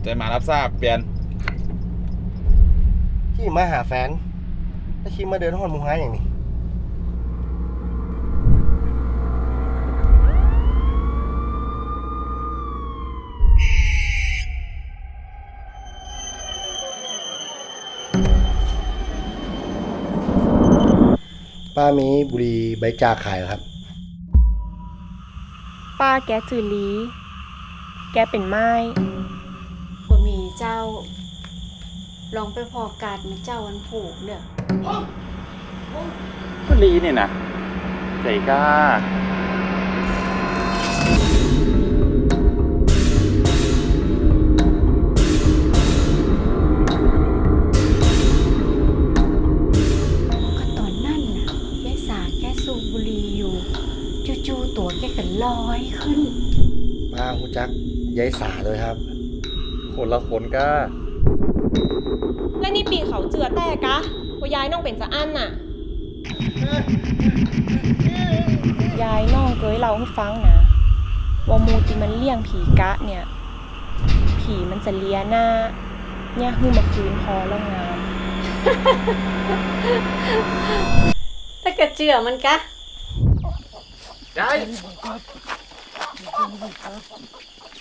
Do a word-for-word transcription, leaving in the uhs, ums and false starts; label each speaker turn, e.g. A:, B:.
A: ใจมารับทราบเปลี่ยน
B: ที่มาหาแฟนแล้วคิดมาเดินห้องมุงหาอย่างนี้ป้ามีบุหรี่ใบจากขายเหรอครับ
C: ป้าแกจือลีแกเป็นไม้
D: บ่มีเจ้า ลองไปพอกาดมาเจ้าวันผูกเด้อ
A: ก็ลีเนี่ยนะใจกล้า
D: ก็ตอนนั้นน่ะยายสาแกสูบบุหรี่อยู่จู่ๆตัวแกก็ลอยขึ้น
B: ป้าหูจักยายสาเลยครับ
A: คนละคนก้า
C: และนี่ปีเขาเจือแต่กะว่ายายน้องเป็นสะอั้นน่ะ ยายน้องเคยเล่าให้ฟังนะว่ามูติมันเลี้ยงผีกะเนี่ย ผีมันจะเลียหน้า เนี่ยหื้อมาคืนพอแล้วงาม
D: ถ้ากระเจือมันกะ
A: ยาย